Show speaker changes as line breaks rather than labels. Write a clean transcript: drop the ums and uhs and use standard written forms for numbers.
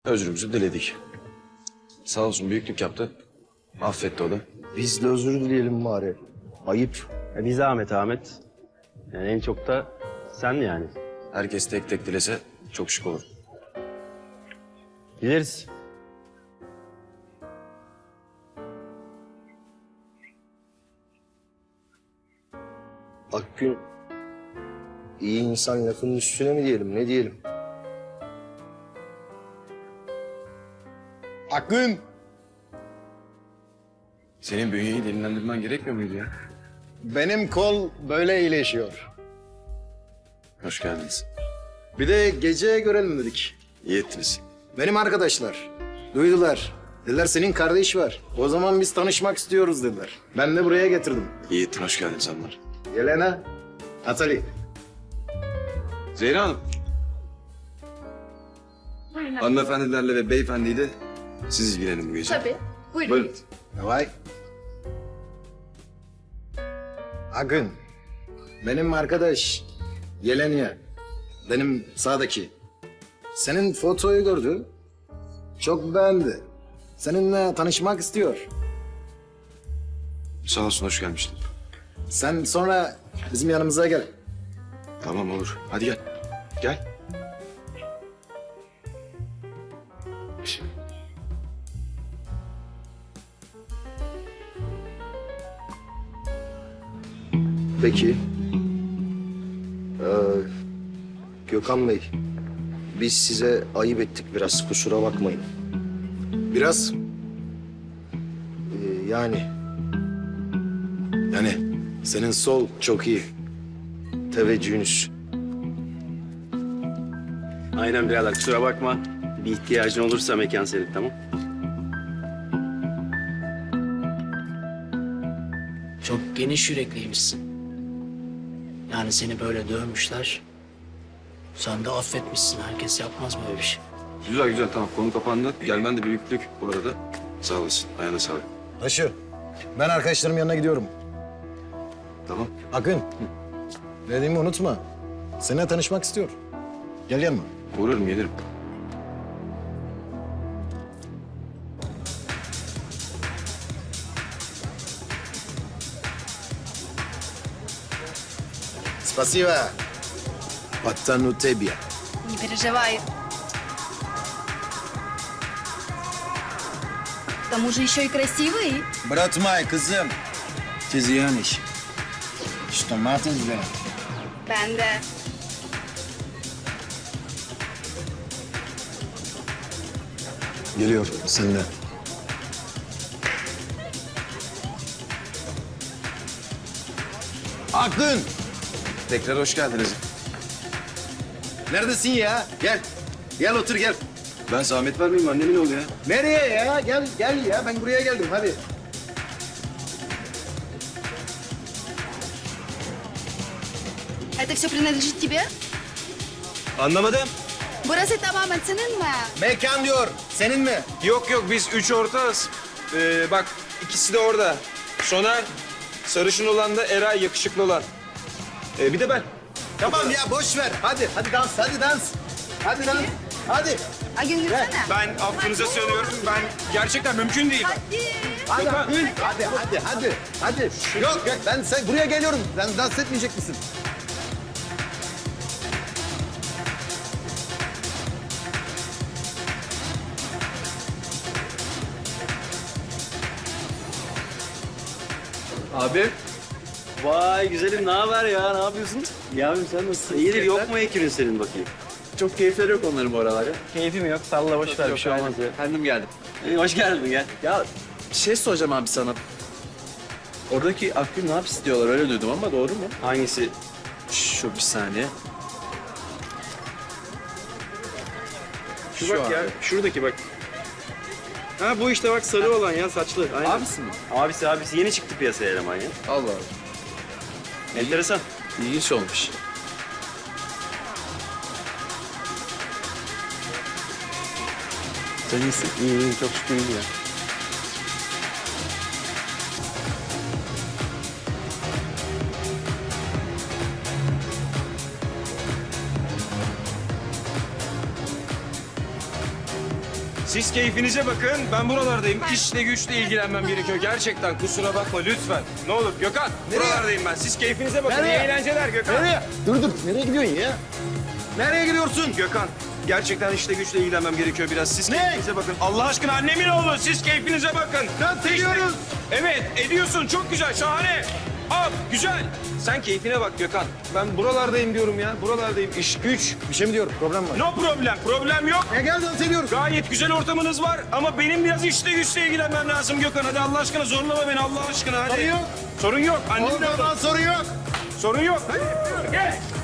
Özrümüzü diledik. Sağ olsun büyüklük yaptı. Affetti o da.
Biz de özür dileyelim bari. Ayıp.
Bir zahmet Ahmet. Yani en çok da sen yani.
Herkes tek tek dilese çok şık olur.
Gideriz.
Akgün iyi insan lafının üstüne mi diyelim, ne diyelim? Akgün!
Senin bünyeyi dinlendirmen gerekmiyor muydu ya?
Benim kol böyle iyileşiyor.
Hoş geldiniz.
Bir de gece görelim dedik.
İyi ettiniz.
Benim arkadaşlar duydular. Dediler senin kardeş var. O zaman biz tanışmak istiyoruz dediler. Ben de buraya getirdim.
İyi ettin, hoş geldiniz hanımlar.
Yelena, Natali.
Zehra Hanım. Hanımefendilerle ve beyefendiyle siz ilgilenin bu gece.
Tabii. Buyurun.
Buyurun.
Vay. Akgün, benim arkadaş Yelena, benim sağdaki. Senin fotoyu gördü, çok beğendi. Seninle tanışmak istiyor.
Sağ olsun, hoş gelmiştin.
Sen sonra bizim yanımıza gel.
Tamam olur. Hadi gel. Gel.
Peki. Gökhan Bey, biz size ayıp ettik biraz, kusura bakmayın. Biraz... yani... Yani senin sol çok iyi. Teveccühünüz.
Aynen birader kusura bakma. Bir ihtiyacın olursa mekan senin, tamam?
Çok geniş yürekliymişsin. Yani seni böyle dövmüşler. Sen de affetmişsin. Herkes yapmaz böyle bir şey.
Güzel güzel, tamam, konu kapandı. Gelmen de büyüklük bu arada. Sağ olasın, ayağına sağlık.
Taşı, ben arkadaşlarım yanına gidiyorum.
Tamam.
Akın, dediğimi unutma. Seninle tanışmak istiyor. Gel yanıma.
Uğrarım, gelirim.
Спасибо. Пацану тебе.
Не переживай. К тому же еще и красивый.
Брат мой, kızım. Тизьяныч. Что маты здесь?
Ben de.
Geliyor, sen de. Akın!
Tekrar hoş geldiniz.
Neredesin ya? Gel. Gel otur gel.
Ben zahmet vermeyeyim, annemin oğlu ya.
Nereye ya? Gel gel ya. Ben buraya geldim hadi.
Это все принадлежит тебе?
Anlamadım.
Burası tamamen senin mi?
Mekan diyor. Senin mi?
Yok yok biz üç ortağız. Bak ikisi de orada. Soner, sarışın olan da Eray, yakışıklı olan. Bir de ben.
Tamam ya boş ver. Hadi hadi dans hadi dans. Hadi dans. Hadi.
Ay yürüsene.
Ben affınıza sığınıyorum. Ben gerçekten mümkün değil.
Hadi hadi hadi hadi. Hadi. Yok yok ben sen buraya geliyorum. Sen dans etmeyecek misin?
Abi.
Vay güzelim, ne haber ya? Ne yapıyorsun? Yavrum sen nasılsın? İyidir, yok mu ekürün senin bakayım?
Çok keyifleri yok onların bu aralar ya.
Keyfim yok, salla boş ver, bir şey olmaz ya.
Kendim geldim.
Hoş geldin, gel.
Ya bir şey soracağım abi sana. Oradaki Akgün ne hapis diyorlar öyle duydum ama doğru mu?
Hangisi?
Şu bir saniye.
Şu bak ya, şuradaki bak. Ha bu işte bak, sarı olan ya, saçlı. Aynen.
Abisi mi?
Abisi yeni çıktı piyasaya eleman ya.
Allah Allah.
Enteresan.
İlginç olmuş.
Sen iyisin. İyi, çok şükür iyi ya.
Siz keyfinize bakın. Ben buralardayım. İşle güçle ilgilenmem gerekiyor. Gerçekten kusura bakma lütfen. Ne olur Gökhan. Buralardayım ben. Siz keyfinize bakın.
Nereye?
İyi eğlenceler Gökhan.
Nereye? Dur. Nereye gidiyorsun ya? Nereye gidiyorsun?
Gökhan. Gerçekten işle güçle ilgilenmem gerekiyor biraz. Siz
Ne?
keyfinize bakın. Allah aşkına annemin oğlu. Siz keyfinize bakın.
Dans ediyoruz.
Evet ediyorsun. Çok güzel. Şahane. Al. Güzel. Sen keyfine bak Gökhan. Ben buralardayım diyorum ya. Buralardayım. İş güç.
Bir şey mi diyorum? Problem var.
No problem. Problem yok.
Gel dans ediyoruz.
Gayet güzel ortamınız var ama benim biraz işle güçle ilgilenmem lazım Gökhan. Hadi Allah aşkına zorlama beni Allah aşkına hadi.
Sorun yok.
Sorun yok. Annem de
Sorun yok.
Sorun yok. Hadi. Gel.